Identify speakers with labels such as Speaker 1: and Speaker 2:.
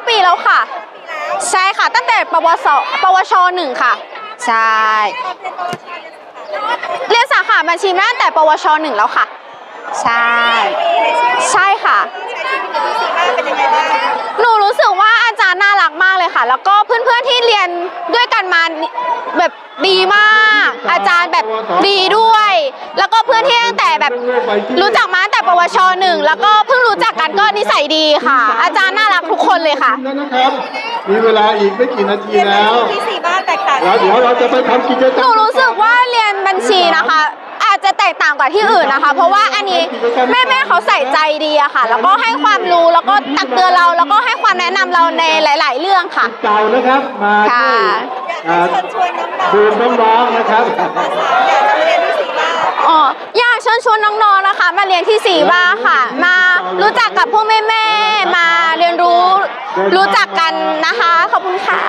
Speaker 1: ปีแล้วค่ะใช่ค่ะตั้งแต่ปวช1ค่ะใช่เรียนสาขาบัญชีมาตั้งแต่ปวช1แล้วค่ะใช่ใช่ค่ะหนูรู้สึกว่าอาจารย์น่ารักมากเลยค่ะแล้วก็เพื่อนๆที่เรียนด้วยกันมาแบบดีมากอาจารย์แบบดีด้วยแล้วก็เพื่อนที่ตั้งแต่แบบรู้จักมาตั้งแต่ปวช1แล้วก็เพิ่งรู้จักกันก็นิสัยดีค่ะอาจารย์น่ารักทุกคนเลยค่ะ
Speaker 2: นะครับมีเวลาอีกไม่กี่นาทีแล้ว
Speaker 3: ที่สี่บ้านแตกต่าง
Speaker 2: แล้วเดี๋ยวเราจะไปทำกิจกรรม
Speaker 1: หนูรู้สึกว่าเรียนบัญชีนะคะอาจจะแตกต่างกว่าที่อื่นนะคะเพราะว่าอันนี้แม่เขาใส่ใจดีอะค่ะแล้วก็ให้ความรู้แล้วก็ตักเตือนเราแล้วก็ให้ความแนะนำเราในหลาย ๆ เรื่องค่ะ
Speaker 2: เก่านะครับมา
Speaker 3: ชวนน้องๆ
Speaker 2: ดูน้องๆนะครับ
Speaker 1: อ๋ออยากเชิญชวนน้องๆนะคะมาเรียนที่สีบ้าค่ะมารู้จักกับพวกแม่ๆมาเรียนรู้จักกันนะคะขอบคุณค่ะ